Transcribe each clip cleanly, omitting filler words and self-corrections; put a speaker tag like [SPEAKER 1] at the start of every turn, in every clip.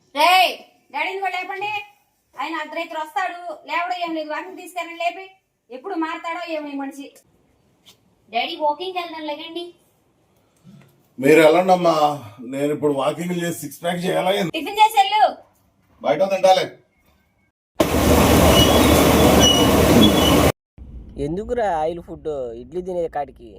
[SPEAKER 1] రే డాడీని కూడా లేపండి. ఆయన అర్ధరైతులు వస్తాడు, లేవడం ఏం లేదు, వాకింగ్ తీసుకెళ్ళండి లేపి. ఎప్పుడు మారుతాడో ఏమో ఈ మనిషి. డాడీ వాకింగ్ వెళ్దాం లేకండి.
[SPEAKER 2] మీరు వెళ్ళండి అమ్మా, నేను ఇప్పుడు వాకింగ్ చేసి 6 ప్యాక్ చేయాలా?
[SPEAKER 1] టిఫిన్ చేసి వెళ్ళు.
[SPEAKER 2] బయట తింటాలే.
[SPEAKER 3] ఎందుకురా ఆయిల్ ఫుడ్ ఇడ్లీ తినేది కాడికి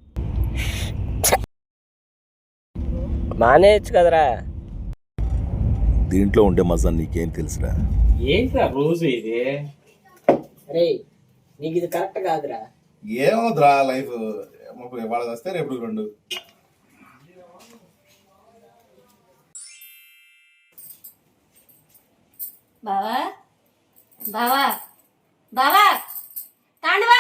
[SPEAKER 3] మానేయచ్చు కదరా.
[SPEAKER 2] దీంట్లో ఉండే మజా నీకేం తెలుసురా?
[SPEAKER 4] ఏంట్రా రోజు ఇది?
[SPEAKER 3] అరే నీకు ఇది కరెక్ట్ కాదురా.
[SPEAKER 2] ఏమవుతురా లైఫ్, వాళ్ళకి వస్తే రేపు 2.
[SPEAKER 1] బావా బావా బావా తాండవా.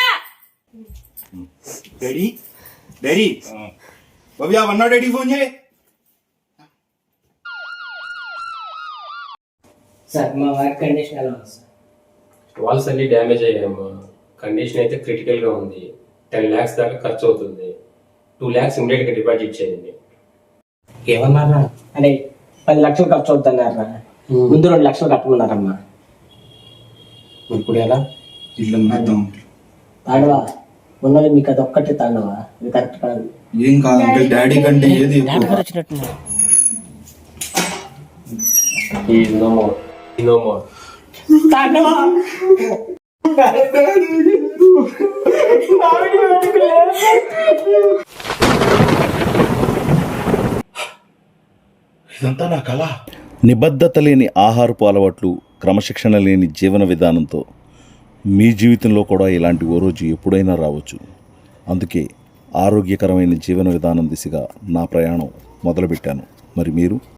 [SPEAKER 4] డాడీ డాడీ భవ్య వన్నా డాడీ ఫోన్ చేయి.
[SPEAKER 3] సార్ మా వర్క్ కండిషన్ ఎలా ఉంది సార్?
[SPEAKER 5] వాల్స్ అన్ని డ్యామేజ్ అయ్యాము. కండిషన్ అయితే క్రిటికల్గా ఉంది. 10 lakhs దాకా ఖర్చు అవుతుంది. 2 lakhs ఇమీడియట్గా డిపాజిట్ చేయండి.
[SPEAKER 3] ఏమన్నారా? అరే 10 లక్షలు ఖర్చు అవుతున్నారా, ముందు 2 లక్షలు కట్టమన్నారమ్మా.
[SPEAKER 4] ఇప్పుడు ఎలా? ఇల్లు అమ్మేద్దాం.
[SPEAKER 3] తాండవా ఉన్నది మీకు అది ఒక్కటే తాండవా, ఇది కరెక్ట్ కాదు.
[SPEAKER 4] ఏం కాదంటే డాడీ కంటే ఏది ఎక్కువ.
[SPEAKER 3] వచ్చినట్టు
[SPEAKER 5] నో మోర్, నో మోర్.
[SPEAKER 2] ఇదంతా నా కళ. నిబద్ధత లేని ఆహారపు అలవాట్లు, క్రమశిక్షణ లేని జీవన విధానంతో మీ జీవితంలో కూడా ఇలాంటి ఓ రోజు ఎప్పుడైనా రావచ్చు. అందుకే ఆరోగ్యకరమైన జీవన విధానం దిశగా నా ప్రయాణం మొదలుపెట్టాను. మరి మీరు?